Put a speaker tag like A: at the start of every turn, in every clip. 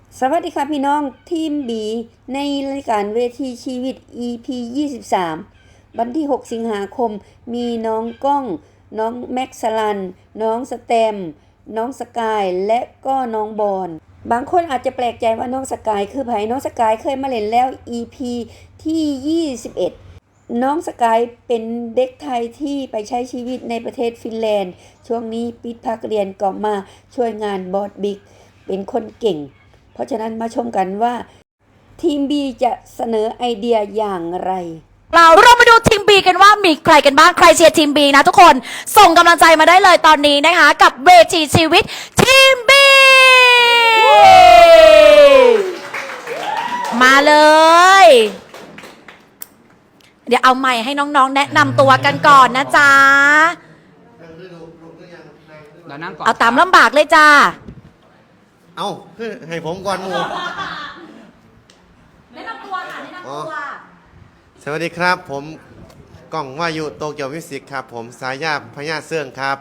A: สวัสดีค่ะพี่น้องทีม B ในรายการเวทีชีวิต EP 23วันที่6สิงหาคมมีน้องก้องน้องแม็กซ์สลันน้องสแตมน้องสกายและก็น้องบอนบางคนอาจจะแปลกใจว่าน้องสกายคือไผน้องสกายเคยมาเล่นแล้ว EP ที่21น้องสกายเป็นเด็กไทยที่ไปใช้ชีวิตในประเทศฟินแลนด์ช่วงนี้ปิดภาคเรียนก็มาช่วยงานบอสบิ๊กเป็นคนเก่งเพราะฉะนั้นมาชมกันว่าทีม B จะเสนอไอเดียอย่างไร
B: เรามาดูทีม B กันว่ามีใครกันบ้างใครเชียร์ทีม B นะทุกคนส่งกำลังใจมาได้เลยตอนนี้นะคะกับเวทีชีวิตทีม B มาเลยเดี๋ยวเอาไมค์ให้น้องๆแนะนำตัวกันก่อนนะจ๊ะเอาตามลำบากเลยจ้า
C: เอาให้ผมก่อนหมู
B: แนะนำตัวค่ะแนะนำตัว
C: สวัสดีครับผมก้องวายุโตเกียวมิวสิกครับผมสายาพญาเสื่องครับ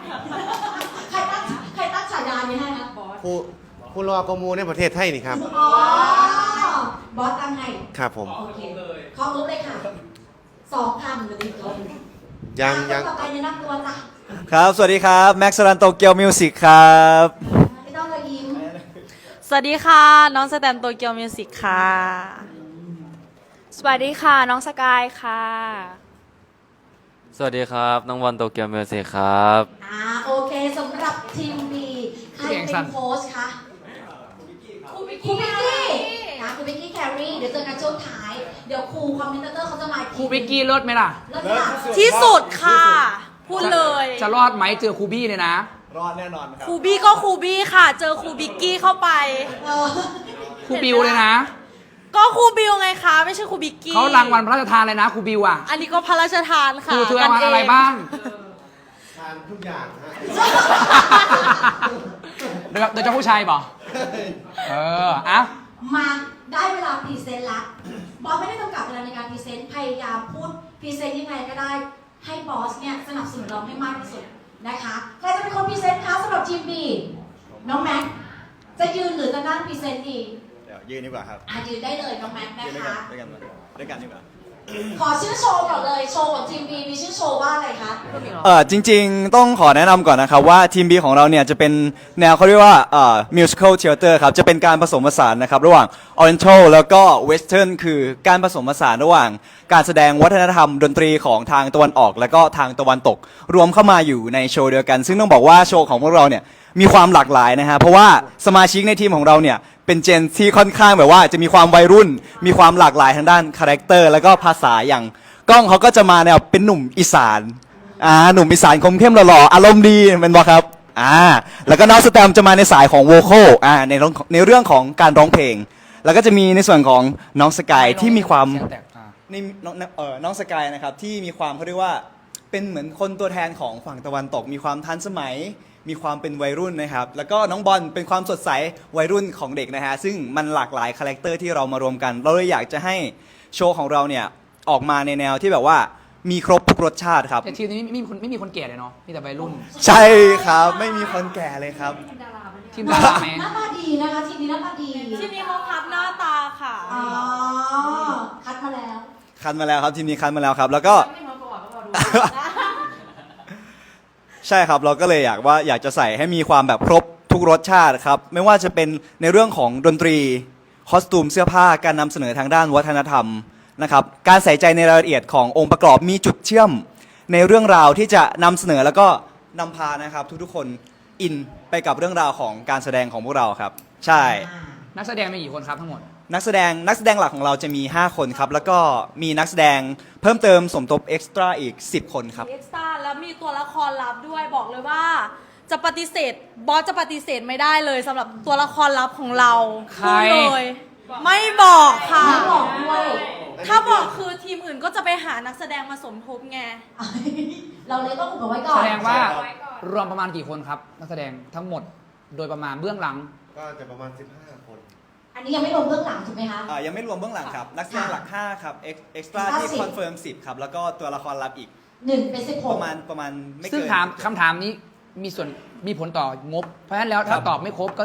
B: ใครตั้งฉายานี้ให้นะบอส
C: ผู้รอกมูในประเทศไทยนี่ครับ
B: อ๋อบอสตั้งให้
C: ครับผม
B: โอเคขอรู้เลยค่ะ2,000เลยจบ
C: ยัง
B: ต่อไปแนะนำตัวจ้ะ
D: ครับสวัสดีครับแม็กซ์สรันโตเกียวมิวสิกครับ
B: ไม่ต้องเลยยิ้ม
E: สวัสดีค่ะน้องสแตมโตเกียวมิวสิกค่ะสวัสดีค่ะน้องสกายค่ะ
F: สวัสดีครับน้องวันโตเกียวมิวสิกครับ
B: โอเคสำหรับทีม B ใครเป็นโค้ชคะครูบิกกี้นะครูบิกกี้แครีเดี๋ยวเจอกันช่วงท้ายเดี๋ยวครูคอมเมนเตอร์เขาจะมา
G: ครูบิกกี้เลิศไหมล่ะ
B: เลิศค่ะ
E: ที่สุดค่ะพูดเลย
G: จะรอดไหมเจอครูบี้เนี่ยนะ
D: รอดแน่นอนครับ
E: ครูบี้ก็ครูบี้ค่ะเจอครูบิกกี้เข้าไป
G: ครูบิวเลยนะ
E: ก็ครูบิวไงคะไม่ใช่ครูบิกกี้
G: เขารางวัลพระราชทานเลยนะครูบิวอ่ะ
E: อันนี้ก็พระราชทานค่ะ
G: ครูเธอรางวัลอะไรบ้าง
C: ทานทุกอย่างฮะ
G: โดยเจ้าผู้ชายบอกอะ
B: มาได้เวลาพรีเซนต์ละบอสไม่ได้จำกัดเวลาในการพรีเซนต์พยายามพูดพรีเซนต์ยังไงก็ได้ให้บอสเนี่ยสนับสนุนเราให้มากที่สุดนะคะใครจะเป็นคนพรีเซนต์คะสำหรับทีม B น้องแม็กจะยืนหรือจะนั่งพรีเซนต์ดี
D: เดี๋ยวยืนดีกว่าครับ
B: ยืนได้เลยน้องแม็กนะคะ
D: ด้วยกันดีกว่า
B: ขอชื่อโชว์ก่อนเลยโชว์ของทีม B มีชื่อโชว์ว่าอะไรคะ
D: จริงๆต้องขอแนะนำก่อนนะครับว่าทีม B ของเราเนี่ยจะเป็นแนวเขาเรียกว่าmusical theater ครับจะเป็นการผสมผสานนะครับระหว่าง oriental แล้วก็ western คือการผสมผสานระหว่างการแสดงวัฒนธรรมดนตรีของทางตะวันออกและก็ทางตะวันตกรวมเข้ามาอยู่ในโชว์เดียวกันซึ่งต้องบอกว่าโชว์ของพวกเราเนี่ยมีความหลากหลายนะฮะเพราะว่าสมาชิกในทีมของเราเนี่ยเป็นเจนที่ค่อนข้างแบบว่าจะมีความวัยรุ่นมีความหลากหลายทางด้านคาแรคเตอร์แล้วก็ภาษาอย่างก้องเขาก็จะมาแนวเป็นหนุ่มอีสานหนุ่มอีสานคมเข้มหล่อๆอารมณ์ดีเป็นบ่ครับแล้วก็น้องสแตมจะมาในสายของโวคอลในเรื่องของการร้องเพลงแล้วก็จะมีในส่วนของน้องสกายที่มีความนี่น้องสกายนะครับที่มีความเขาเรียกว่าเป็นเหมือนคนตัวแทนของฝั่งตะวันตกมีความทันสมัยมีความเป็นวัยรุ่นนะครับแล้วก็น้องบอลเป็นความสดใสวัยรุ่นของเด็กนะฮะซึ่งมันหลากหลายคาแรคเตอร์ที่เรามารวมกันเราเลยอยากจะให้โชว์ของเราเนี่ยออกมาในแนวที่แบบว่ามีครบทุกรสชาติครับ
G: แต่ทีมนี้ไม่มีคนแก่เลยเนาะมีแต่วัยรุ่น
D: ใช่ครับไม่มีคนแก่เลยครับ
G: ทีมดาราไหม
B: หน้าตาดีนะคะทีมนี้หน้าตาดี
E: ทีมนี้เขาคัดหน้าตาค่ะ
B: คัดมาแล้ว
D: ครับทีมนี้คัดมาแล้วครับแล้วก็ใช่ครับเราก็เลยอยากจะใส่ให้มีความแบบครบทุกรสชาติครับไม่ว่าจะเป็นในเรื่องของดนตรีคอสตูมเสื้อผ้าการนำเสนอทางด้านวัฒนธรรมนะครับการใส่ใจในรายละเอียดขององค์ประกอบมีจุดเชื่อมในเรื่องราวที่จะนำเสนอแล้วก็นำพานะครับทุกๆคนอินไปกับเรื่องราวของการแสดงของพวกเราครับใช่
G: นักแสดงมีกี่คนครับทั้งหมด
D: นักแสดงหลักของเราจะมี5คนครับแล้วก็มีนักแสดงเพิ่มเติมสมทบเอ็กซ์ตร้าอีก10คนครับ
E: เอ็กซ์ตร้าแล้วมีตัวละครลับด้วยบอกเลยว่าจะปฏิเสธบอสจะปฏิเสธไม่ได้เลยสำหรับตัวละครลับของเราพูดเลยไม่บอกค่ะ
B: ไม่บอกด้วย
E: ถ้าบอกคือทีมอื่นก็จะไปหานักแสดงมาสมทบไง
B: เราเลยต้องอุบไว้ก่อน
G: แสดงว่ารวมประมาณกี่คนครับนักแสดงทั้งหมดโดยประมาณเบื้องหลัง
C: ก็จะประมาณ15คน
B: อันนี้ยังไม่รวมเบื้องหลังถูกไหมคะ
D: ยังไม่รวมเบื้องหลังครับนักแสดงหลัก5ครับเอ็กซ์ตร้าที่คอนเฟิร์ม10ครับแล้วก็ตัวละครลับอีก
B: 1เป็น16
D: ประมาณไม่เกิน
G: ซึ่งคำถามนี้มีผลต่องบเพราะฉะนั้นแล้วถ้าตอบไม่ครบก็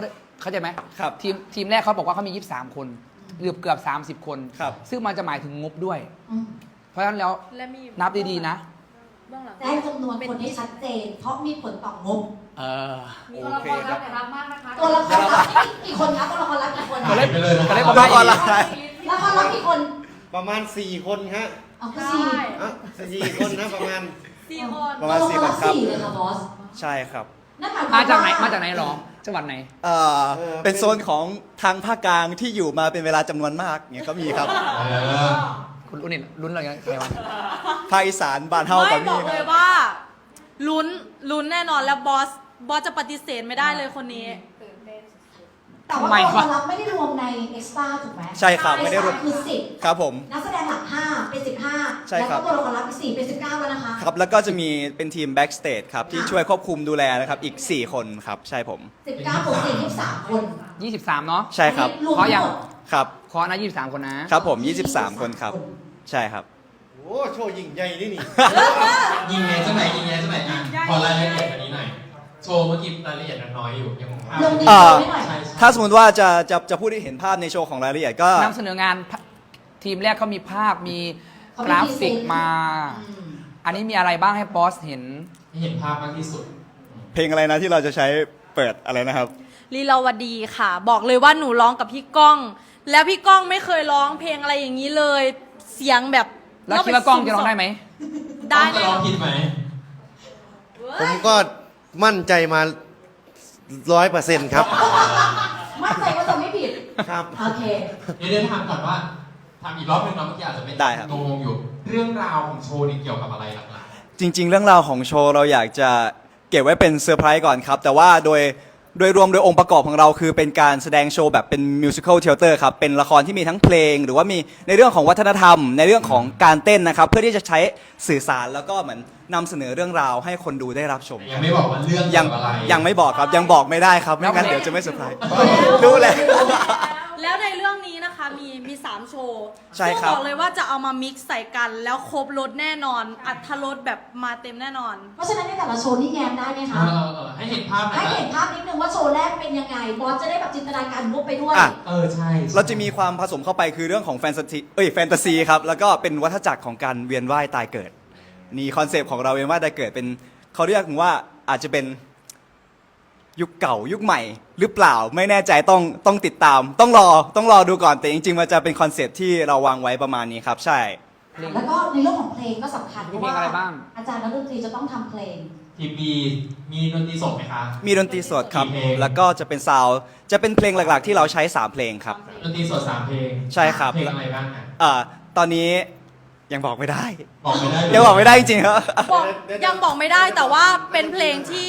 G: เข้าใจไหม
D: ครับ
G: ทีมแรกเขาบอกว่าเขามี 23 คนเกือบ30 คน
D: ครับ
G: ซึ่งมันจะหมายถึงงบด้วย
B: อืม
G: เพราะฉะนั้นแล้ว
E: และมี
G: นับดีๆนะ
E: เบื้องหลัง
B: ได้จำนวนคนที่ชัดเจน เพราะมีผลต่องบ
G: เออ
E: ตัวละครรับแต่รับมากนะคะ
B: ตัวละครลับนี่กี่คนคะตัวละครลับกี่คน
G: ก็เล่น
C: ไปเลยนะครับ
G: ก็เล่นประมาณ
D: ละครลับ
B: ละครลับกี่คน
C: ประมาณ 4 คนฮะ
B: เอาก็
E: ใช่
B: สี่
C: อ่ะ4 คนนะประมาณ
E: สี่คน
D: ประมาณ
B: ตัวละคร
D: 4 คนครับ
B: สี่เลยค่ะบอส
D: ใช่ครับ
B: นั่นหมายความ
G: มาจากไหน
B: ว่
G: มาจากไหนหรอจังหวัดไหน
D: เป็นโซนของทางภาคกลางที่อยู่มาเป็นเวลาจำนวนมากเนี่ยก็มีครับ
G: คุณรุ่นนี่รุ่นอะไรกันใครวะ
D: ภาคอีสานบ้านเฮา
E: ไม่
D: กับ
E: บ
D: มี
E: อก
D: ค
E: เลย
D: รับ
E: ว่าลุ้นแน่นอนแล้วบอสจะปฏิเสธไม่ได้เลยคนนี้
B: แต่ว่า
G: ทำไม
B: ตัวละคว
G: ะ
B: รลับไม่ได้รวมในเอ็กซ์ตร้าถูกไหม
D: ใช่ครับไม่ได้รวม
B: คือสิบ
D: ครับผม
B: นักแสดงหลัก5เป็น15
D: ใช่
B: แล้ว
D: ครั
B: ก็
D: บ
B: ตัวละครลับอีก4เป็น19แล้วนะคะ
D: ครับแล้วก็จะมีเป็นทีม backstage ครับที่ช่วยควบคุมดูแลนะครับอีก 4 คนครับใช่ผม
B: 19บวก4 23 คน
G: 23 เนาะ
D: ใช่ครับ
B: อันนี้รวม
G: เพราะยั
B: ทั้
G: ง
B: งหมด
D: ครับ
G: ขอนะ23 คนนะครับ
D: ผม 23 คนครับ ใช่ครับ
C: โอ้โชว์ยิ่งใหญ่นี่นี่
H: ยิงไงเจ้าไหนยิงไงเจ้าไหนอ่ะขอรายละเอียดอันนี้หน่อย โชว์เมื่อกี้รายละเอียดน้อยอยู่ยังคงภาพ
B: ลงดี
D: อ่า
B: ไม่หน่อย
H: ใช่
D: ถ้าสมมติว่าจะพูดให้เห็นภาพในโชว์ของรายละเอียดก็
G: นำเสนองานทีมแรกเขามีภาพมี
B: เขา
G: ก
B: มี
G: ราฟิก
B: พรีเซนต์
G: มา
B: อืม
G: อันนี้มีอะไรบ้างให้บอสเห็น
H: ให้เห็นภาพมากที่สุด
D: เพลงอะไรนะที่เราจะใช้เปิดอะไรนะครับ
E: ลีลาวดีค่ะ บอกเลยว่าหนูร้องกับพี่ก้อง แล้วพี่ก้องไม่เคยร้องเพลงอะไรอย่างนี้เลย เสียงแบบ
G: แล้วคิดว่ากล้องจะร้องได้ไหม
E: ได้
H: จะ
E: แน่
H: ร้
E: น
H: อ
E: อง น
H: ผิดไหม
C: ผมก็มั่นใจมา 100%ครับ
B: มั่นใจว่าจะไม่ผิด
C: ครับ
B: โอเค
H: เดี๋ยวถามก่อนว่าถามอีกรอบหนึงเนาะเมื่อกี้อาจจะไม่
D: ได้ครับ
H: งงอยู่ เรื่องราวของโชว์นี่เกี่ยวกับอะไรหลัก
D: จริง ๆ เรื่องราวของโชว์เราอยากจะเก็บไว้เป็นเซอร์ไพรส์ก่อนครับ แต่ว่าโดยรวมโดยองค์ประกอบของเราคือเป็นการแสดงโชว์แบบเป็นมิวสิควลเทเตอร์ครับ เป็นละครที่มีทั้งเพลง หรือว่ามีในเรื่องของวัฒนธรรม ในเรื่องของการเต้นนะครับ เพื่อที่จะใช้สื่อสารแล้วก็เหมือนนำเสนอเรื่องราวให้คนดูได้รับชม
H: ๆยังไม่บอกว่าเรื่อง
D: ยั
H: เกี่ยวกับอะไร
D: ยังไม่บอกครับยังบอกไม่ได้ครับไม่งั้นเดี๋ยวจะไม่เซอร์ไพรส์
E: รู้
D: รู้แล้ว
E: แล้วในเรื่องนี้นะคะมี3โชว์
D: ใช่ครับ
E: ซึ่งบอกเลยว่าจะเอามามิกซ์ใส่กัน แล้วครบรสแน่นอน อัตรสแบบมาเต็มแน่นอน
B: เพราะฉะนั้นในแต่ละโชว์นี่แง้มได้ไหมคะ
H: ให้เห็นภาพหน่อ
B: ให้
H: ยนะ
B: เห็นภาพนิดนึงว่าโชว์แรกเป็นยังไง บอสจะได้แบบจินตนาการมุกไปด้วย
D: อ่ะ
H: ใช่
D: เราจะมีความผสมเข้าไปคือเรื่องของแฟนตาซีครับแล้วก็เป็นวัฏจักรของการเวียนว่ายตายเกิดนี่คอนเซปต์ของเราเวียนว่ายตายเกิดเป็นเขาเรียกว่าอาจจะเป็นยุคเก่ายุคใหม่หรือเปล่าไม่แน่ใจต้องติดตาม ต้องรอดูก่อนแต่จริงๆมันจะเป็นคอนเซปต์ที่เราวางไว้ประมาณนี้ครับใช่
B: แล้วก็ในเรื่องของเพลงก็สำคัญเพ
G: มี
B: ราะ
G: เพลง
B: ว่า
G: อะไรบ้าง
B: อาจารย์นักดนตรีจะต้องทำเพลง
H: ทีมบีมีดนตรีสดไหมคะ
D: มีดนตรีสดครับ
H: กี่เพลง
D: แล้วก็จะเป็นซาวด์จะเป็นเพลงหลักๆ ที่เราใช้3เพลงครับ
H: ดนตรีสด3เพลง
D: ใช่ครับ
H: เพลงอะไรบ้างอ่ะ
D: ตอนนี้ยังบอกไม่ได้
H: บอกไม่ได้เลย
D: ยังบอกไม่ได้จริงๆครับ
E: บอกยังบอกไม่ได้แต่ว่าเป็นเพลงที่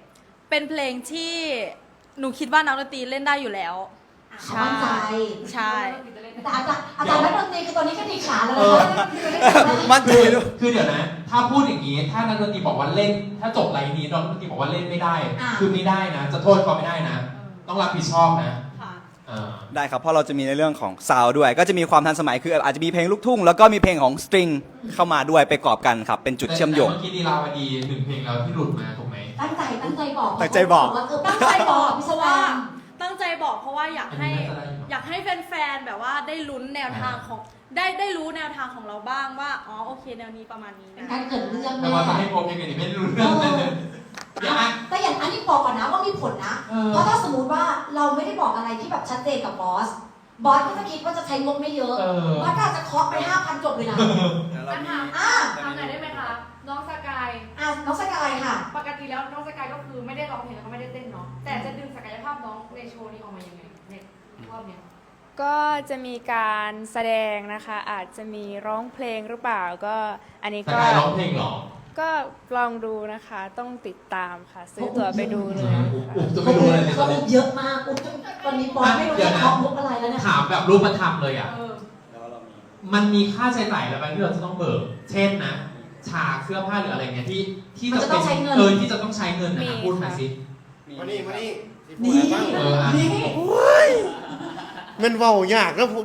E: หนูคิดว่านักดนตรีเล่นได้อยู่แล้ว
B: เขามั่นใจ
E: ใช่
B: แต่อาจารย์นักดนตรีคือตอนนี้ก็ดีขาแล้ว
H: เอ
B: นะ
H: อ
B: คะ
D: มั่นใจด้วย
H: คือเดี๋ยวนะ ถ้าพูดอย่างนี้ ถ้านักดนตรีบอกว่าเล่น ถ้าจบไลน์นี้นักดนตรีบอกว่าเล่นไม่ได้ คือไม่ได้นะ จะโทษเขาไม่ได้นะ ต้องรับผิดชอบนะ
E: ค่ะ
H: เออ
D: ได้ครับ เพราะเราจะมีในเรื่องของซาวด์ด้วย ก็จะมีความทันสมัยคืออาจจะมีเพลงลูกทุ่ง แล้วก็มีเพลงของสตริงเข้ามาด้วยไปกรอบกันครับ เป็นจุดเชื่อมโยง
H: แต่เมื่อกี้ดีลาวดี1เพลงแล้วที่หลุดมาถูกไหม
B: ตั้งใจบอก
D: ตั้งใจบอก
B: ว่า
E: ตั้งใจบอกเพ
B: พิศ
E: ราะ
B: วา
E: ว่าตั้งใจบอกเพราะว่าอยากให้
H: อันนี้น่าจะได้อยู่
E: อยากให้แฟนๆแบบว่าได้ลุ้นแนวทางของได้รู้แนวทางของเราบ้างว่าอ๋อโอเคแนวนี้ประมาณนี้
B: เป็น
E: นะ
B: การเกิดเรื่อง
H: แต่
B: แน่
H: ว่าถ้าให้โปรเพลงนี้ไม่รู้เรื่องเลยเดี๋ยวนะ
B: แต่อย่างอันนี้บอกก่อนนะว่ามีผลนะ
H: เออ
B: เพราะถ้าสมมติว่าเราไม่ได้บอกอะไรที่แบบชัดเจนกับบอส บอสก็จะคิดว่าจะใช้งบไม่เยอะ บอสก็อาจจะเคาะไป 5,000 จบเลยนะ
I: ปัญหา
B: อ่า
I: ทำไหนอยได้ไหมคะ น้องสกาย
B: น้องสกายค่ะ
I: ปกติแล้วน้องสกายก็คือไม่ได้ร้องเพลงแล้วก็ไม่ได้เต้นเนาะ แต่จะดึงศักยภาพน้องในโชว์นี้ออกมายังไงในรอบเนี้ย
J: ก็จะมีการแสดงนะคะ อาจจะมีร้องเพลงหรือเปล่าก็อันนี้
H: แต่
J: ก็
H: การร้องเพลงเหรอ
J: ก็ลองดูนะคะ ต้องติดตามค่ะ ซื้อตั๋วไปดูเลยค่ะ
H: อุ๊บจะไม่รู้อะไรเลยต
B: เขา
H: อนนี้
B: เยอะมากอุ๊บตอนนี้บอสไม่รู้จะเคาะมุกอะไรแล้วเนี่ย
H: ถามแบบรูปธรรมเลยอ่ะ
I: เออ
H: มันมีค่าใช้จ่ายอะไรบ้างที่เราจะต้องเบิก เช่นนะ ฉากเสื้อผ้าหรืออะไรเงี้ยที่
B: มันจะต้องใช้เงิน
H: ที่จะต้องใช้เงินนะ
J: มี
H: พูดมาสิ
C: มานี่ที่
B: นี่
C: พูดอะไรบ้าง
H: อ่ะ
B: นี่
C: มันเว้ายากแล้วพูด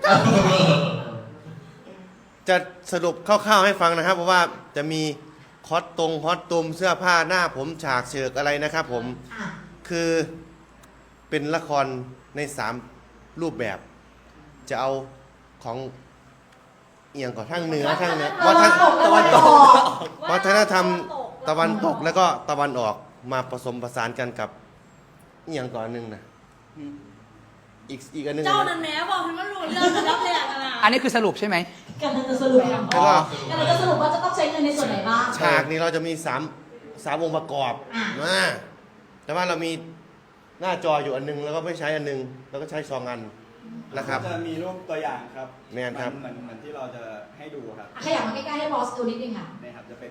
C: จะสรุปคร่าวๆให้ฟังนะครับ เพราะว่าจะมีคอสตูมเสื้อผ้าหน้าผมฉากเฉือกอะไรนะครับผม
B: อ่ะ
C: คือเป็นละครใน3รูปแบบ จะเอาของเอียงก่อนทางเหนือทางเหนือ
B: ตะวันตก
C: ตะวันตก
B: ตะ
C: วัฒนธรรมตะวันตกแล้วก็ตะวันออกมาผสมผสานกันกับเอียงก่อนหนึ่งนะอีกอันหนึง
E: เจ้า
C: นะ
E: นั้นแม้บอกให้มันรู้เรื่องรับแหลกอะนะ
G: อันนี้คือสรุปใช่ไหม
B: กำลังจะสรุป
C: แล้วก็
B: กำลังจะสรุปว่าจะต้องใช้เงินในส่วนไหนบ้าง
C: ฉากนี้เราจะมี3องค์ประกอบ
B: อ่ะ
C: แต่ว่าเรามีหน้าจออยู่อันนึงแล้วก็ไม่ใช้อันนึงแล้วก็ใช้2อันนะครับ
D: จะมีรูปตัวอย่างครับ
C: แม่นครับ
D: เหมือนที่เราจะให้ดูครับ
B: ขยับมาใกล้ๆให้บอสดูนิดนึงค่ะ
D: นี่ครับจะเป็น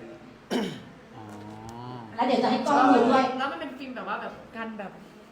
B: แล้วเดี๋ยวจะให้กล้องดูด้วย
I: แล้วมันเป็นฟิล์มแบบว่าแบบกันแบบ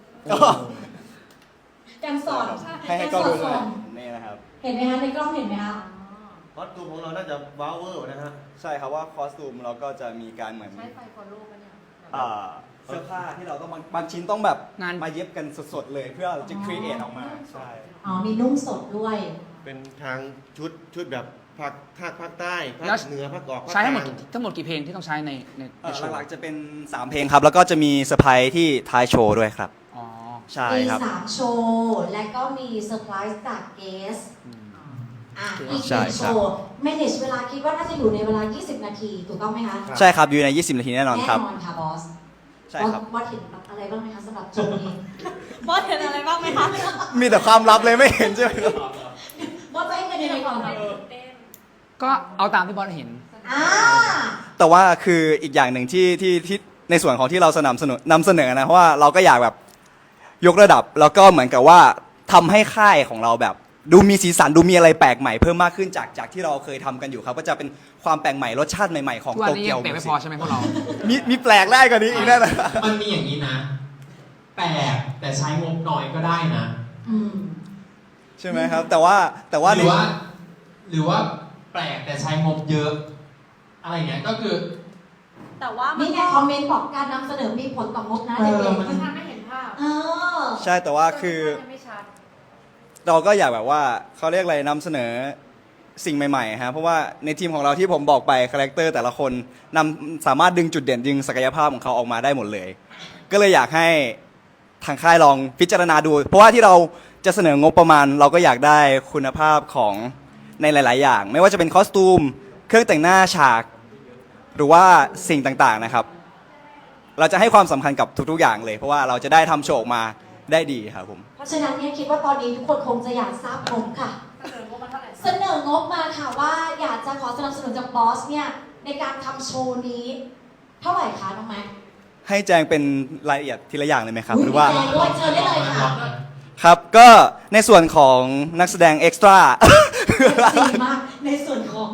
B: การสอน
D: ให้กล้องดูด้วยนี่นะครับ
B: เห็นไหมคะในกล้องเห็นไหมคะ
C: คอสตูมของเราน่าจะว้าวเวอร์นะฮะ
D: ใช่ครับว่าคอสตูมเราก็จะมีการเหมือน
I: ใช้ไฟฟอลโล่ปะเนี่ย
D: เสื้อผ้าที่เราต้องบางชิ้นต้องแบบ
G: งาน
D: มาเย็บกันสดๆเลยเพื่อจะครีเอทออกมาใช่
B: อ๋อ มีนุ่งสดด้วย
C: เป็นทางชุดแบบภาคใต้ภา
G: แล้ว
C: คเหนือภาคออกภาค
G: ใช้ทั้งหมด
C: กลาง
G: ทั้งหมดกี่เพลงที่ต้องใช้ในโชว์
D: หลักๆจะเป็น 3 เพลงครับ แล้วก็จะมีเซอร์ไพรส์ที่ท้ายโชว์ด้วยครับ
G: อ๋อ
D: ใช่
B: มี
D: ครับ
B: 3 โชว์ และก็มีเซอร์ไพรส์จากเกสอีก
D: ใช่
B: 1
D: ค
B: โช
D: รับ
B: ว์ manage เวลาคิดว่าน่าจะอยู่ในเวลา 20 นาที ถูกต้องไหมคะ
D: ใช่ครับอยู่ใน 20 นาทีแน่นอนครับ
B: แน่นอนค่ะบอส
D: ใช่ครับ
B: บอสเห็นอะไรบ้างไหมคะสำหรับโชว์นี้
E: บอสเห็นอะไรบ้างไหมคะ
D: มีแต่ความลับเลยไม่เห็นใช่ไหมครับ
B: บอสจะให้เงินยังไงก่อน
G: ก็เอาตามที่บอสเห็น
D: แต่ว่าคืออีกอย่างหนึ่งที่ในส่วนของที่เรานำเสนอนะเพราะว่าเราก็อยากแบบยกระดับแล้วก็เหมือนกับว่าทำให้ค่ายของเราแบบดูมีสีสันดูมีอะไรแปลกใหม่เพิ่มมากขึ้นจากที่เราเคยทำกันอยู่ครับก็จะเป็นความแปลกใหม่รสชาติใหม่ๆของ
G: ทุกวัน
D: โต
G: นี้
D: เกี
G: ยั
D: ยว
G: งเปลี่ยนไม่พอใช่ไหมพวกเรา
D: มีแปลกได้กว่านี้อีกแน่นะ
H: มันมีอย่างนี้นะ แปลกแต่ใช้งบน้อยก็ได้นะ
D: ใช่ไหมครับ แต่ว่า
H: หรือว่าแปลกแต่ใช้งบเยอะ อะไรเงี้ยก็คือ
E: แต่ว่ามั
B: นี่ไงคอมเมนต์บอกการนำเสนอมีผลต่องบนะเด็ก
I: มันทำไม่เห็นภาพ
B: ๆ
D: ใช่แต่ว่าคือ
I: มันไม่ชัด
D: เราก็อยากแบบว่าเขาเรียกอะไรนำเสนอสิ่งใหม่ๆฮะเพราะว่าในทีมของเราที่ผมบอกไปคาแรคเตอร์แต่ละคนสามารถดึงจุดเด่นดึงศักยภาพของเขาออกมาได้หมดเลย ก็เลยอยากให้ทางค่ายลองพิจารณาดู เพราะว่าที่เราจะเสนองบประมาณ เราก็อยากได้คุณภาพของในหลาย ๆ อย่าง ไม่ว่าจะเป็นคอสตูมเครื่องแต่งหน้าฉากหรือว่าสิ่งต่างๆนะครับ เราจะให้ความสำคัญกับทุกๆอย่างเลย เพราะว่าเราจะได้ทำโชว์ออกมาได้ดีครับผม
B: เพราะฉะนั้นเนี่ยคิดว่าตอนนี้ทุกคนคงจะอยากทราบงบค่ะ
I: เสนองบมาเท่าไหร่
B: เสนองบมาค่ะว่าอยากจะขอสนับสนุนจากบอสเนี่ยในการทำโชว์นี้ เท่าไหร่คะน้องแม็ก
D: ให้แจงเป็นรายละเอียดทีละอย่างเลยไหมครับ หรือว่า
B: แจ้งด้วยเชิญได้เลยค่ะ
D: ครับก็ในส่วนของนักแสดงเอ็กซ์ตร้า
B: ดีมากในส่วนของ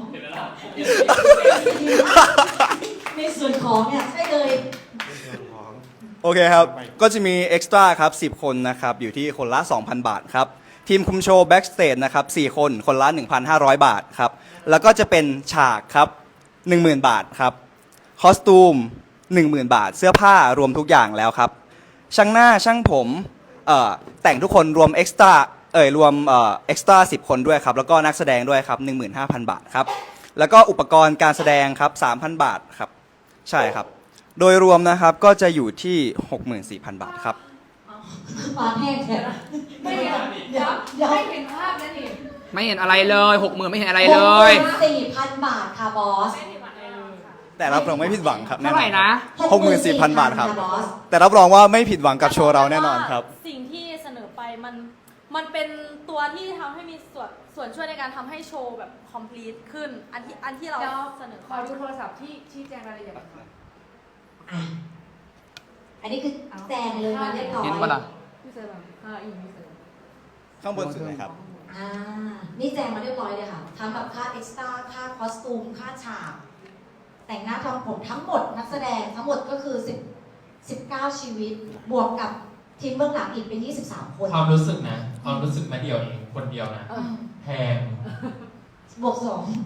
B: ในส่วนของเนี่ยใช่เลย
D: โอเคครับ ก็จะมีเอ็กซ์ตร้าครับ10 คนนะครับ อยู่ที่คนละ 2,000 บาทครับ ทีมคุมโชว์แบ็กสเตจนะครับ4 คนคนละ 1,500 บาทครับ แล้วก็จะเป็นฉากครับ 10,000 บาทครับ คอสตูม 10,000 บาท เสื้อผ้ารวมทุกอย่างแล้วครับ ช่างหน้าช่างผมแต่งทุกคนรวมเอ็กซ์ตร้ารวมเอ็กซ์ตร้า10 คนด้วยครับ แล้วก็นักแสดงด้วยครับ 15,000 บาทครับ แล้วก็อุปกรณ์การแสดงครับ 3,000 บาทครับ ใช่ครับ โดยรวมนะครับก็จะอยู่ที่ 64,000 บาทครับ
B: ปาแห้งแค่ไม่เห็นเดี๋ยว
I: ไม่เห็นภาพนะนี่
G: ไม่เห็นอะไรเลย60,000ไม่เห็นอะไรเลย
B: 4,000 บาทค่ะบอส
D: แต่รับรองไม่ผิดหวังครับแน่
G: เท่าน ไห
D: อ
G: ร่
D: น
G: นะ
D: 64,000 บาทครับ
B: บอส
D: แต่รับรองว่าไม่ผิดหวังกับโชว์เราแน่นอนครับ
E: สิ่งที่เสนอไปมันเป็นตัวที่ทำให้มีส่วนช่วยในการทำให้โชว์แบบ complete ขึ้น อันที่เรา
I: เดี๋ยว
E: เสนอ
I: ขอดูโทรศัพท์ที่ชี้แจงรายละเอียดหน่อยค่ะ
B: อันนี้คือแจงเลยมาเรียบร้อย
G: เห็นปะล่ะ
I: พี่เซอร์แบบอีกพี่เซอร์
D: ข้างบนสุดเลยครับ
B: นี่แจงมาเรียบร้อยเลยค่ะทั้งแบบค่าเอ็กซ์ตร้าค่าคอสตูมค่าฉากแต่งหน้าทำผมทั้งหมดนักแสดงทั้งหมดก็คือ19 ชีวิต บวกกับทีมเบื้องหลังอีกเป็น23 คน
H: ความรู้สึกนะ ความรู้สึกมาเดียวเองคนเดียวนะ แพง
B: บวก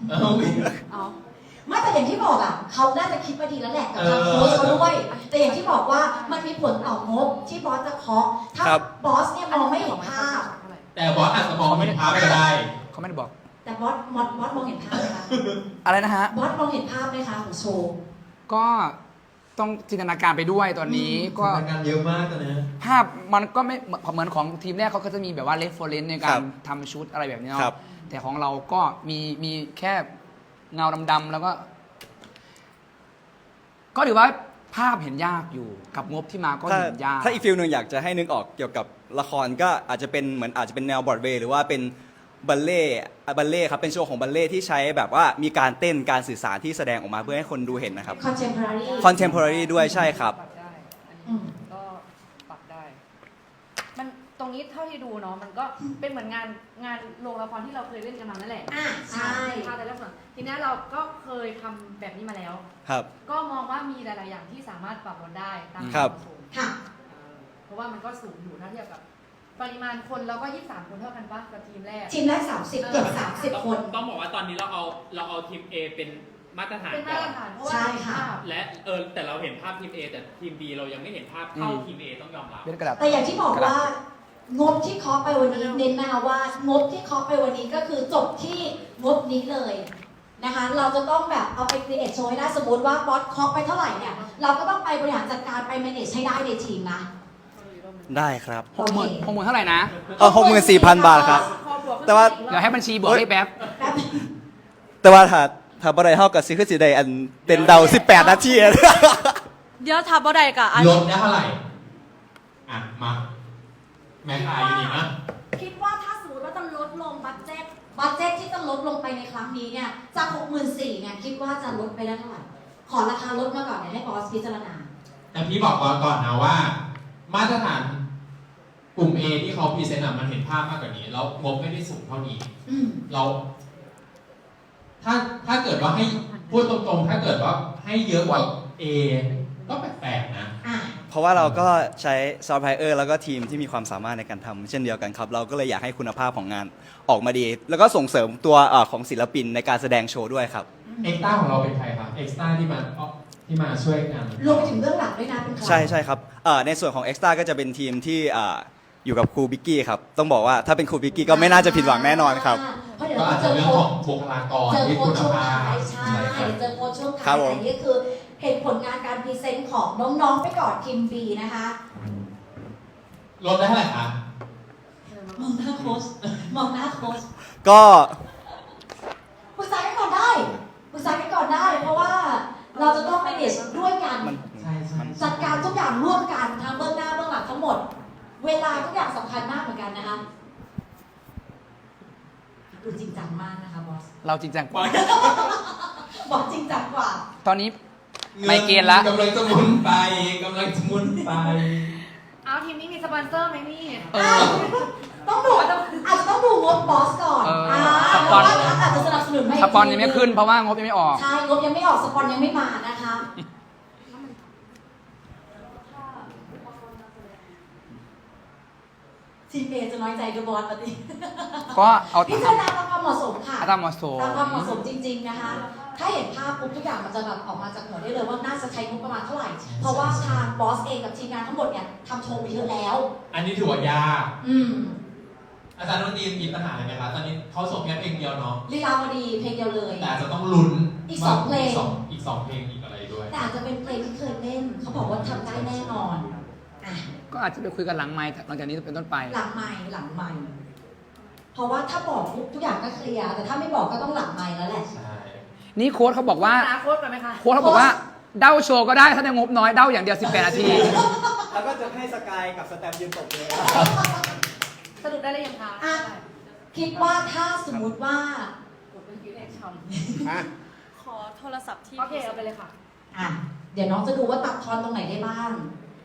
B: 2 ไม่แต่อย่างที่บอกอ่ะเขาน่าจะคิดมาดีแล้วแหละกับทางโค้ชเขาด้วย แต่อย่างที่บอกว่ามันมีผลต่องบที่บอสจะเคาะถ้า
D: ครับ
B: บอสเนี่ยมองไม่เห็นภาพ
H: แต่บอสอาจจะมองไม่เห็นภาพก็ได้
G: เขาไม่ได้บอก
B: แต่บอสมองเห็นภาพไหมคะ
G: อะไรนะฮะ
B: บอสมองเห็นภาพไหมคะของโชว์
G: ก็ต้องจินตนาการไปด้วยตอนนี้ก็
H: งานเยอะมากตอนนี้
G: ภาพมันก็ไม่เหมือนของทีมแรกเขาก็จะมีแบบว่าเรฟเฟอเรนซ์ในการทำชุดอะไรแบบนี้เนาะแต่ของเราก็มีแค่เงาดำๆแล้วก็ถือว่าภาพเห็นยากอยู่กับงบที่มาก็เห็นยาก
D: ถ้าอีกฟิลหนึ่งอยากจะให้นึกออกเกี่ยวกับละครก็อาจจะเป็นเหมือนอาจจะเป็นแนวบรอดเวย์หรือว่าเป็นบัลเล่ครับเป็นโชว์ของบัลเล่ที่ใช้แบบว่ามีการเต้นการสื่อสารที่แสดงออกมาเพื่อให้คนดูเห็นนะครับ
B: contemporary
D: contemporary ด้วยใช่ครับ
I: ปรับได้อัน
B: อื
I: นี้
B: ม
I: ก็ปรับได้ มันตรงนี้เท่าที่ดูเนาะมันก็เป็นเหมือนงานโรงละครที่เราเคยเล่นกันมานั่นแหละ
B: อ่ะใช่
I: ภาพแต่ละส่วนทีนี้เราก็เคยทำแบบนี้มาแล้ว
D: ครับ
I: ก็มองว่ามีหลาย ๆ อย่างที่สามารถปรับลดได้ตาม
D: ครับ
I: วามเหมาะสม
B: ค่ะ
I: เพราะว่ามันก็สูงอยู่ถ้าเทียบกับ ปริมาณคนเราก็23คนเท่ากันปะกับทีมแรก
B: ทีมแรก30เกือบ30 คน
K: ต้องบอกว่าตอนนี้เราเอาทีม A เป็นมาตรฐาน
I: เป็นมา
K: ก่อ
I: ตร
K: น
I: ฐานเพราะว่า
B: ใช่ค่ะ
I: ภาพ
K: และแต่เราเห็นภาพทีม A แต่ทีม B เรายังไม่เห็นภาพเท่าทีม A ต้องยอมรับ
G: เป็นกระดาษ
B: แต่อย่างที่บอกว่างบที่เคาะไปวันนี้เน้นนะคะว่างบที่เคาะไปวันนี้ก็คือจบที่งบนี้เลยนะคะ เราจะต้องแบบเอาไปครีเอทโชว์ให้ได้สมมติว่าบอสเคาะไปเท่าไหร่เนี่ยเราก็ต้องไปบริหารจัดการไป manage ให้ได้ในทีมนะ
D: ได้ครับ
G: 60,000เท่าไหร่นะ
D: 64,000 บาทครับ แต่ว่า
G: เดี๋ยวให้บัญชีบวกให้แป๊บ
B: แป๊บ
D: แต่ว่าถ้าบ่ได้เท่ากับซิคือสิได้อันเป็นเดา18 นาที
E: เดี๋ยวทับบ่ได้กะอัน
H: ลดได้เท่าไหร่ อ่ะ มา แม็กไออยู่นี่นะ
B: คิดว่าถ้าสมมติว่าจะลดลงบัตเจ็ตที่จะลดลงไปในครั้งนี้เนี่ยจาก 64,000เนี่ยคิดว่าจะลดไปได้เท่าไหร่ขอราคาลดมาก่อนเดี๋ยวให้บอสพิจารณา
H: แต่พี่บอกก่อนนะว่า มาตรฐานกลุ่ม A ที่เขาพรีเซนต์มันเห็นภาพมากกว่านี้ แล้วงบไม่ได้สูงเท่านี้
B: อืม
H: เรา ถ้าเกิดว่าให้พูดตรงๆ ถ้าเกิดว่าให้เยอะกว่า A ก็แปลกๆนะ
B: อ่ะ
D: เพราะว่าเราก็ใช้ซอฟต์แวร์แล้วก็ทีมที่มีความสามารถในการทำเช่นเดียวกันครับ เราก็เลยอยากให้คุณภาพของงานออกมาดี แล้วก็ส่งเสริมตัวของศิลปินในการแสดงโชว์ด้วยครับ
H: เอ็กซ์ต้าของเราเป็นใครครับ เอ็กซ์ต้าที่มาช่วยงาน
B: รวมไปถึงเบื้องหลังด้วยนะเป็นใคร
D: ใช่ครับในส่วนของ Extra ก็จะเป็นทีมที่อยู่กับครูบิกกี้ครับ ต้องบอกว่าถ้าเป็นครูบิกกี้ก็ไม่น่าจะผิดหวังแน่นอนครับ
B: เพราะเดี๋ยว
H: ก็
B: เรา
H: อาจ
B: เจ
H: จะ
B: อ
H: เรื่อง
B: โค้
H: ข
B: ช
H: องบุคลากร
B: เจอ
H: ที่
B: โค้
H: คุ
B: ช
H: ณ
B: ช่วง
H: ภา
B: ท้า
H: พ
B: ยใช่เจอโค้ชช่วง
D: ครั
B: ท้า
D: บ
B: ย
D: ผม
B: แต่นี่คือเห็นผลงานการพรีเซนต์ของน้องๆไปก่อนทีม B นะคะ
H: ลดได้เท่าไหร่คะ
B: มองหน้าโค้ชมองหน้าโค้ช
D: ก็
B: ปรึกษากันก่อนได้ปรึกษากันก่อนได้ เพราะว่าเราจะต้อง manage ด้วยกัน
H: ใช่ใช่
B: จัดการทุกอย่างร่วมกันทั้งเบื้องหน้าเบื้องหลังทั้งหมด เวลาทุกอย่างสำคัญมากเหมือนกันนะคะดูจริงจังมากนะคะบอส
G: เราจริงจังกว่า
B: บอสจริงจังกว่า
G: ตอนนี้ ไม่เกณฑ์ละ
H: กำลังจะหมุนไปกำลังจะหมุนไป
I: เอาทีมนี้มีสปอนเซอร์ไหมนี่
B: ต้องดูอาจจะต้องดูงบบอสก่อน
G: ส
B: เพ
G: ปอ
B: ราะ
G: น
B: ว่าอาจจะสนับสนุนไม่
G: สปอนยังไม่ขึ้นเพราะว่างบยังไม่ออก
B: ใช่งบยังไม่ออกสปอนยังไม่มานะคะทีมเอจะน้อยใจกับบอสปะดิ
G: ก็เอา
B: พิจารณาตามความเหมาะสมค่ะ
G: ตามเหมาะสม
B: ตามความเหมาะสมจริง ๆนะคะ ถ้าเห็นภาพปุ๊บทุกอย่างมันจะแบบออกมาจากหัวได้เลยว่าน่าจะใช้งบประมาณเท่าไหร่ เพราะว่าทางบอสเองกับทีมงานทั้งหมดเนี่ยทำโชว์ไปเยอะแล้ว
H: อันนี้ถือว่ายาก
B: อืม
H: อาจารย์ดนตรีมีปัญหาอะไรไหมครับตอนนี้เขาส่งแค่เพลงเดียวเนาะ
B: ลีลาวดีเพลงเดียวเลย
H: แต่อาจจะต้องลุ้น
B: อีกสองเพลง
H: อีกสองเพลงอีกอะไรด้วย
B: แต่อาจจะเป็นเพลงที่เคยเล่น เขาบอกว่าทำได้แน่นอนอ่ะ
G: ก็อาจจะไปคุยกันหลังไมค์หลังจากนี้เป็นต้นไป
B: หลังไม่เพราะว่าถ้าบอกปุ๊บทุกอย่างก็เคลียร์แต่ถ้าไม่บอกก็ต้องหลังไม่แล้วแหละ
H: ใช่
G: นี่โค้ชเขาบอกว่า
I: อนาคตกันไหมคะ
G: โค้ชเขาบอกว่าเด้าโชว์ก็ได้ถ้าในงบน้อยเด้าอย่างเดียว18 นาที
D: แล้วก็จะให้สกายกับสแตมยืนตบเลย
I: สรุปได้หรือยังคะ
B: อ่ะ คิดว่าถ้าสมมุติว่า
I: กดเป็นคิวแอคชั่น
E: ขอโทรศัพท์ที่
I: โอเคเอาไปเลยค่ะ
B: อ่ะ เดี๋ยวน้องจะดูว่าตัดทอนตรงไหนได้บ้าง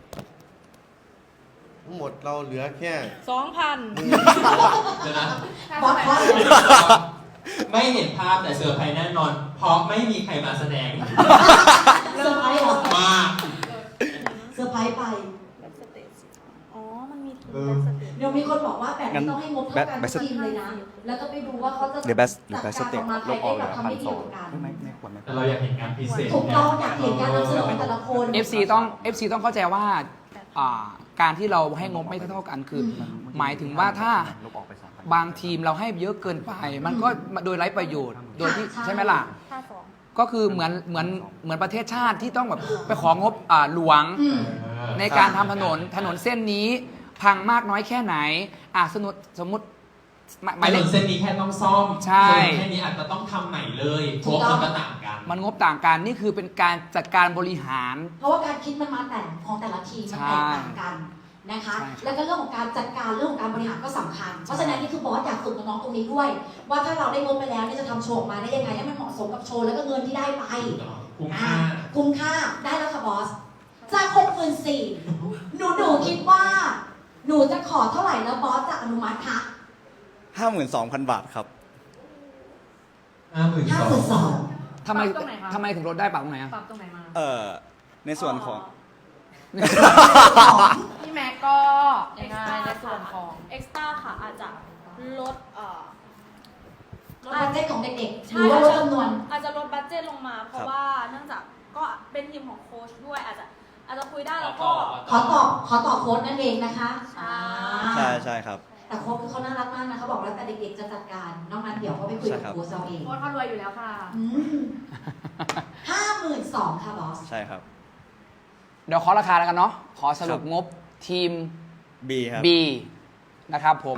C: ทั้งหมดเราเหลือแค่
E: 2,000
H: เดี๋ยวนะ
B: บอสบอส
H: ไม่เห็นภาพแต่เซอร์ไพรส์แน่นอน เพราะไม่มีใครมาแสดง
B: เซอร์ไพรส์เหรอ
H: มา
B: เซอร์ไพรส์ไป
E: อ๋อ มันมีทีม
H: เออ
E: แบ็คสเตจ
B: เดี๋ยวมีคนบอกว่าแบบนี้ต้องให้งบเท่ากันทุกทีมเลยนะ แล้วก็ไปดูว่าเขาจะ
D: หรือแบ็ค
B: จัดการออกมาใครได้แบบทำได้ดีกว่ากัน
H: แต่เราอยากเห็นงานพิเศษ
B: ถูกต้องอยากเห็นการนำเสนอของแต่ละคน
G: FC ต้องเข้าใจว่าการที่เราให้งบไม่เท่ากันคือ หมายถึงว่าถ้าบางทีมเราให้เยอะเกินไป มันก็โดยไร้ประโยชน์ โดยที่ใช่ไหมล่ะก็คือเหมือนประเทศชาติที่ต้องแบบไปของบหลวง
B: อืม
G: ในการทำถนนเส้นนี้พังมากน้อยแค่ไหนสมมติหมาย
H: ถ
G: เล
H: น
G: ข
H: นเส้นนี้แค่ต้องซ่อม
G: ใช่
H: ส่วนแค่นี้อาจจะต้องทำใหม่เลยเพราะว่ามันก็ต่างกัน
G: มันงบต่างกันนี่คือเป็นการจัดการบริหาร
B: เพราะว่าการคิดมันมาแต่ของแต่ละทีมมันแตกต่างกันนะคะ
G: ใช่ครับ
B: แล้วก็เรื่องของการจัดการเรื่องของการบริหารก็สำคัญ เพราะฉะนั้นนี่คือบอสอยากฝึกน้องๆตรงนี้ด้วย ว่าถ้าเราได้งบไปแล้วเนี่ยจะทำโชว์ออกมาได้ยังไงให้มันเหมาะสมกับโชว์แล้วก็เงินที่ได้ไป
H: คุ้มค่า
B: คุ้มค่าได้แล้วค่ะบอสจาก64,000หนูคิดว่า หนูจะขอเท่าไหร่แล้วบอสจะอนุมัติคะ
D: 52,000 บาทครับ
B: 52,000
G: ทำไม
I: ปรับตรงไหนคะ
G: ทำไมถึงลดได้ปรับตรงไหนอะ
I: ปรับตรงไหนมา
D: ในส่วนของ
I: พี่แม็กก็ยังไงในส่วนของ
E: เอ็กซ์ต้าค่ะอาจจะลด
B: ลดบัดเจ็ตของเด็กๆห
E: ใช่
B: รือว่าลดจำนวน
E: อาจจะลดบัตเจ็ตลงมา เพ
D: ครั
E: ราะ
D: บ
E: ว่าเนื่องจากก็เป็นทีมของโค้ชด้วยอาจจะคุยได้แล้วก็
B: ขอตอบโค้ดนั่นเองนะคะ
E: ใช่
D: ใช่ครับ
B: แต่โค้ชคือเขาน่ารักมากนะเขาบอกแล้วแต่เด็กๆจะจัดการนอกนั้นเดี๋ยวเขาไปคุยกับ
D: ใช่ครับ
B: โค้ชเอาเอง
I: โค้ชเขารวยอยู่แล้วค่ะ
B: 52,000ค่ะบอส
D: ใช่ครับ
G: เดี๋ยวขอราคาแล้วกันเนาะขอสรุปงบทีม
D: B ครับ
G: B นะครับผม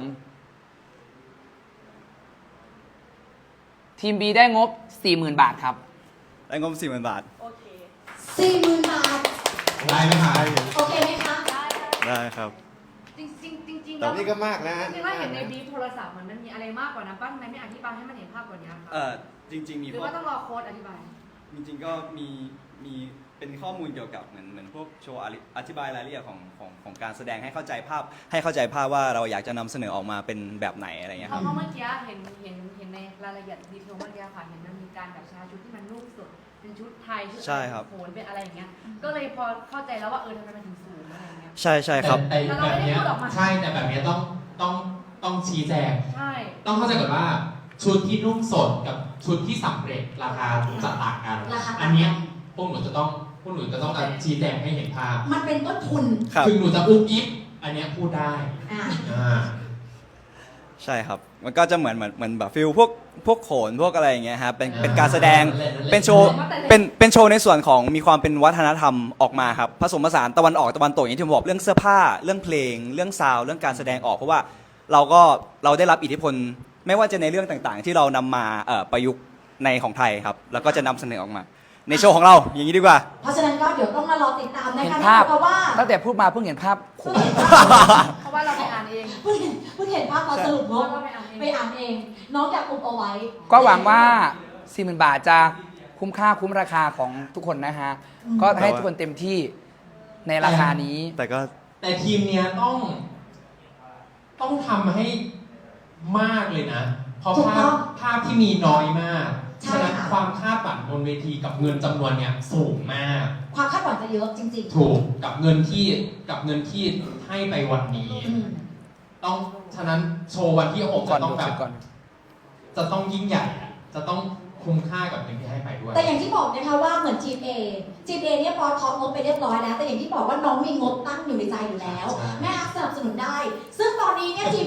G: ทีม B ได้งบ 40,000 บาทครับ
D: ได้งบ 40,000 บาท
E: โอเค
B: 40,000 บาท
H: ได้ไหมคะ
B: โอเคไหมคะ
D: ได้ครับ
I: จริงๆ
C: แต่นี่ก็มากนะ
I: จริงๆว่าเห็นในบีฟโทรศัพท์มันมีอะไรมากกว่านั้นป้าทำไมไม่อธิบายให้มันเห็นภาพกว่านี้คะ
D: จริงๆมี
I: หรือว่าต้องรอโค้ดอธิบาย
D: จริงๆก็มีเป็นข้อมูลเกี่ยวกับเหมือนพวกโชว์อธิบายรายละเอียดของการแสดงให้เข้าใจภาพว่าเราอยากจะนำเสนอออกมาเป็นแบบไหนอะไรอย่างเงี้ย
I: เพ
D: ครับ
I: ราะเมื่อกี้เห็นในรายละเอียดดีเทลเมื่อกี้ค่ะเห็นมันมีการแบบใช้ชุดที่มันนุ่มสุดเป็นชุดไทยชุด
D: ใช่ครับ
I: โขนเป็นอะไรอย่างเงี้ย ก็เลยพอเข้าใจแล้วว่าทำไมมันถึงสูงอะไรอย่างเงี้ย
D: ใช่ครับ
H: แต่แบบเนี้ยใช่แต่แบบเนี้ยต้องชี้แจง
I: ใช่
H: ต้องเข้าใจก่อนว่าชุดที่นุ่มสดกับชุดที่สำเร็จราคาจะต่างกัน
B: ราคาต่างกัน
H: อันเนี้ยพวกหนูจะต้องชี้แจงให้เห็นภาพ
B: มันเป็นต้นทุน
D: ครับ
H: ถึงหนูจะอุ๊บอิ๊บอันเนี้ยพูดได้
B: อ่า
D: ใช่ครับ มันก็จะเหมือนแบบฟิลพวกโขนพวกอะไรอย่างเงี้ยครับเป็นการแสดงเป็นโชว์เป็นโชว์ในส่วนของมีความเป็นวัฒนธรรมออกมาครับผสมผสานตะวันออกตะวันตกอย่างที่ผมบอกเรื่องเสื้อผ้าเรื่องเพลงเรื่องซาวด์เรื่องการแสดงออกเพราะว่าเราได้รับอิทธิพลไม่ว่าจะในเรื่องต่างๆ ที่เรานำมาประยุกต์ในของไทยครับแล้วก็จะนำเสนอออกมา ในโชว์ของเราอย่างนี้ดีกว่า
B: เพราะฉะนั้นก็เดี๋ยวต้องมารอติดตามนะ
G: เห็น
B: คะ
G: ภาพ
B: เพราะว่า
G: ตั้งแต่พูดมาเพิ่งเห็นภาพ
B: เพิ่งเห็นภาพ
I: เพราะว่าเราไปอ่านเอง
B: เพิ่งเห็นภาพตอนสรุปงบ
I: เราไปอ่านเอง
B: ไปอ่านเอง น้องอยากอุบเอาไว้
G: ก็หวังว่า 40,000 บาทจะคุ้มค่าคุ้มราคาของทุกคนนะฮะ ก็ให้ทุกคนเต็มที่ในราคานี้
H: แต่ทีมเนี้ยต้องทำให้มากเลยนะ เพราะ
B: ถูกต้อง
H: ภาพที่มีน้อยมาก
B: ใช่
H: ฉะนั้น
B: ค่ะ
H: ความคาดหวังบนเวทีกับเงินจำนวนเนี้ยสูงมาก
B: ความคาดหวังจะเยอะจริง
H: ถูกกับเงินที่ให้ไปวันนี้
B: ๆอืม
H: ต้องฉะนั้นโชว์วันที่6
G: ก่อ
H: จะ
G: น
H: ต้อง
G: ดู
H: แบ
G: เสร็
H: บ
G: จก่อน
H: จะต้องยิ่งใหญ่อะจะต้องคุ้มค่ากับเงินที่ให้ไปด้วย
B: แต่อย่างที่บอกนะคะว่าเหมือนทีม A เนี่ยพอเคาะงบไปเรียบร้อยแล้ว แต่อย่างที่บอกว่าน้องมีงบตั้งอยู่ในใจอยู่แล้ว
H: ใช่
B: แม่ฮักสนับสนุนได้ ซึ่งตอนนี้เนี่ยทีม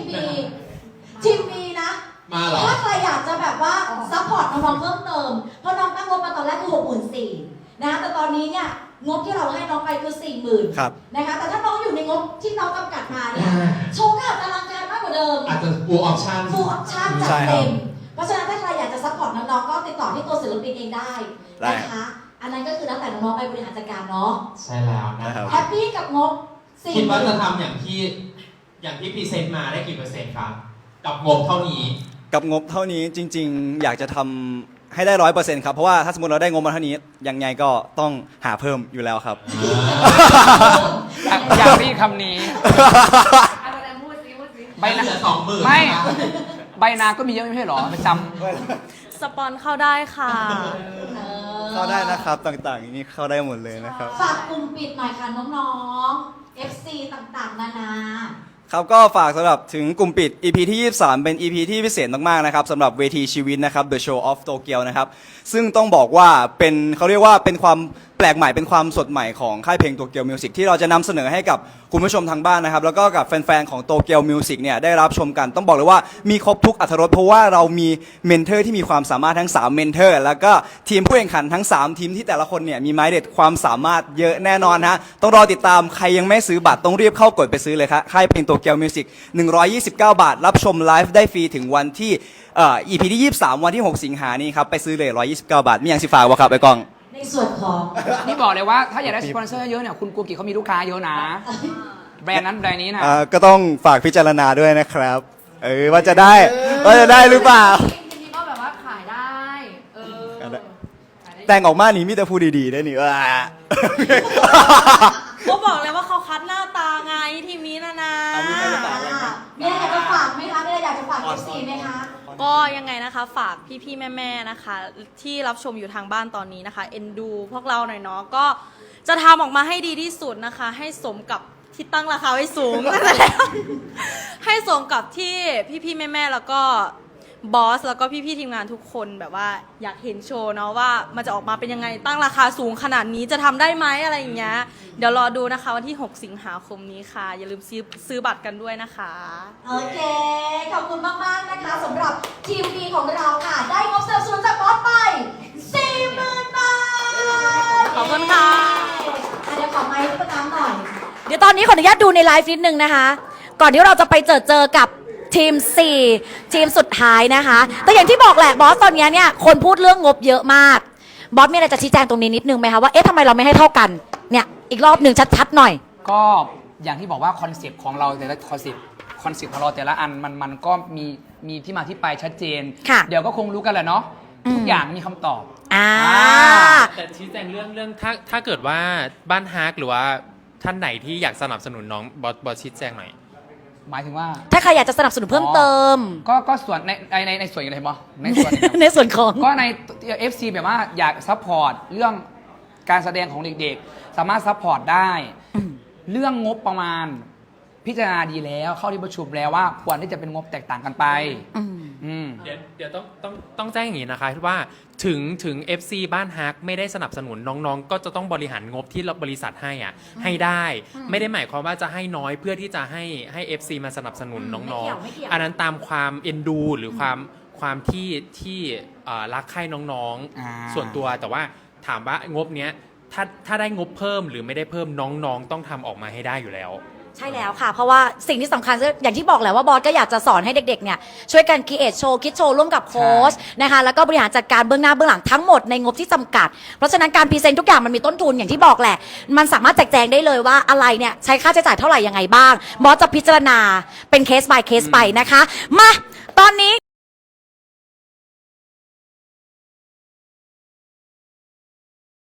B: B นะ
H: มาเหรอ
B: ถ้าใครอยากจะแบบว่าซัพพอร์ตน้องๆเพิ่มเติม เพราะน้องตั้งงบมาตอนแรกคือ64,000นะแต่ตอนนี้เนี่ยงบที่เราให้น้องไปคือ 40,000
D: ครับ
B: นะคะแต่ถ้าน้องอยู่ในงบที่น้องกำกัดมาเนี่ยโชว์ก็อาจจะอลังการมากกว่าเดิม
H: อาจจะ full option
B: full option จัด
D: ใช่ครับ
B: เต็ม เพราะฉะนั้นถ้าใครอยากจะซัพพอร์ตน้องๆก็ติดต่อที่ตัวศิลปินเองได้นะคะ อันนั้นก็คือแล้วแต่น้องๆไปบริหารจัดการเนาะ
H: ใช่แล้วนะ
D: นะครับ
B: แฮปปี้กับงบ
H: คิดว่าจะ
B: 40,000
H: ทำอย่างที่พรีเซนต์มาได้กี่เปอร์เซ็นต์ครับ กับงบเท่านี้
D: กับงบเท่านี้จริง ๆ อยากจะทำให้ได้ 100% ครับเพราะว่าถ้าสมมติเราได้งบมาเท่านี้ยังไงก็ต้องหาเพิ่มอยู่แล้วครับ
G: อยากได้ยินคำนี้
I: อะไรแต่พูดซิ
G: ใบหนา
H: เหลือ20,000
G: ไม่ ใบนาก็มีเยอะไม่ใช่เหรอประจ
E: สปอนเข้าได้ค่ะ
D: เข้าได้นะครับต่างๆนี่เข้าได้หมดเลยนะครับ
B: ฝากกลุ่มปิดหน่อยค่ะน้องๆ FC ต่างๆ นานา
D: ครับก็ฝากสำหรับถึงกลุ่มปิด EP ที่ 23 เป็น EP ที่พิเศษมากๆนะครับสำหรับเวทีชีวิตนะครับ The Show of Tokyo นะครับซึ่งต้องบอกว่าเขาเรียกว่าเป็นความปลกใหม่เป็นความสดใหม่ของค่ายเพลงโตเกียวมิวสิกที่เราจะนำเสนอให้กับคุณผู้ชมทางบ้านนะครับแล้วก็กับแฟนๆของโตเกียวมิวสิกเนี่ยได้รับชมกันต้องบอกเลยว่ามีครบทุกอรรถรสเพราะว่าเรามีเมนเทอร์ที่มีความสามารถทั้ง3เมนเทอร์แล้วก็ทีมผู้แข่งขันทั้ง3ทีมที่แต่ละคนเนี่ยมีไม้เด็ดความสามารถเยอะแน่นอนฮะต้องรอติดตามใครยังไม่ซื้อบัตรต้องรีบเข้ากดไปซื้อเลยครับค่ายเพลงโตเกียวมิวสิก129 บาทรับชมไลฟ์ได้ฟรีถึงวันที่EP ที่23วันที่6สิงหานี้ครับไปซื้อเลย129 บาทมีอย่างสิฝากบ่ครับไอ้กล้อง
B: ในส่วนของ
G: นี่บอกเลยว่าถ้าอยากได้สปอนเซอร์เยอะเนี่ยคุณกูกิเขามีลูกค้าเยอะนะ แบรนด์นั้นแบรนด์นี้นะ
D: ก็ต้องฝากพิจารณาด้วยนะครับว่าจะได้หรือเปล่า
I: ทีนี้ก็แบบว่าขายได้
D: แต่งออกมานี่มีแต่พูดดีๆได้นี่ว่า
E: ก็บอกเลยว่าเขาคัดหน้าตาไงทีมนี้นะ
B: มีอะไรอยากจะฝากไหมคะมีอะไรอยากจะฝาก FC ไหมคะ
E: ก็ยังไงนะคะฝากพี่ๆแม่ๆนะคะ ที่รับชมอยู่ทางบ้านตอนนี้นะคะเอ็นดูพวกเราหน่อยเนาะก็จะทำออกมาให้ดีที่สุดนะคะ ให้สมกับที่ตั้งราคาไว้สูง ให้สมกับที่พี่ๆแม่ๆแล้วก็บอสแล้วก็พี่ๆทีมงานทุกคนแบบว่าอยากเห็นโชว์เนาะว่ามันจะออกมาเป็นยังไงตั้งราคาสูงขนาดนี้จะทำได้ไหมอะไรอย่างเงี้ยเดี๋ยวรอดูนะคะวันที่6สิงหาคมนี้ค่ะอย่าลืมซื้อบัตรกันด้วยนะคะ
B: โอเค ขอบคุณมากๆนะคะสำหรับทีมดีของเราค่ะ ได้งบสนับสนุนจากบอสไป 40,000 บาท
E: ขอบคุณค่ะ
B: เดี๋ยวขอไมค์ประน้ำหน่อย
L: เดี๋ยวตอนนี้ขออนุญาตดูในไลฟ์นิดนึงนะคะ ก่อนที่เราจะไปเจอกับทีม 4 ทีมสุดท้ายนะคะ แต่อย่างที่บอกแหละบอสตอนนี้เนี่ยคนพูดเรื่องงบเยอะมาก บอสมีอะไรจะชี้แจงตรงนี้นิดนึงไหมคะว่าเอ๊ะทำไมเราไม่ให้เท่ากันเนี่ยอีกรอบหนึ่งชัดๆหน่อย
G: ก็อย่างที่บอกว่าคอนเซปต์ของเราแต่ละคอนเซปต์ของเราแต่ละอันมันก็มีที่มาที่ไปชัดเจน
L: ค่ะ
G: เดี๋ยวก็คงรู้กันแหละเนาะทุกอย่างมีคำตอบ
K: แต่ชี้แจงเรื่องถ้าเกิดว่าบ้านฮาร์กหรือว่าท่านไหนที่อยากสนับสนุนน้องบอสชี้แจงหน่อย
G: หมายถึงว่า
L: ถ้าใครอยากจะสนับสนุนเพิ่มเติม
G: ก็ส่วนในส่วนอะไรบ้างในส่วน
L: ในส่วนของ
G: ก็ใน FC แบบว่าอยากซัพพอร์ตเรื่องการแสดงของเด็กๆ สามารถซัพพอร์ตได้ เรื่องงบประมาณพิจารณาดีแล้วเข้าที่ประชุมแล้วว่าควรที่จะเป็นงบแตกต่างกันไป
K: เดี๋ยวต้องแจ้งอย่างนี้นะคะว่าถึง FC บ้านฮักไม่ได้สนับสนุนน้องๆ ก็จะต้องบริหารงบที่บริษัทให้ให้ได้ ไม่ได้หมายความว่าจะให้น้อยเพื่อที่จะให้ FC มาสนับสนุนน้องๆอันนั้นตามความเอ็นดูหรือความที่รักใคร่น้องๆส่วนตัวแต่ว่าถามว่างบเนี้ยถ้าได้งบเพิ่มหรือไม่ได้เพิ่มน้องๆต้องทำออกมาให้ได้อยู่แล้ว
L: ใช่แล้วค่ะ เพราะว่าสิ่งที่สำคัญอย่างที่บอกแหละว่าบอสก็อยากจะสอนให้เด็กๆเนี่ยช่วยกันคิดโชว์คิดโชว์ร่วมกับโค้ชนะคะแล้วก็บริหารจัดการเบื้องหน้าเบื้องหลังทั้งหมดในงบที่จำกัดเพราะฉะนั้นการพรีเซนต์ทุกอย่างมันมีต้นทุนอย่างที่บอกแหละมันสามารถแจกแจงได้เลยว่าอะไรเนี่ยใช้ค่าใช้จ่ายเท่าไหร่ยังไงบ้างบอสจะพิจารณาเป็นเคส by เคสไปนะคะมาตอนนี้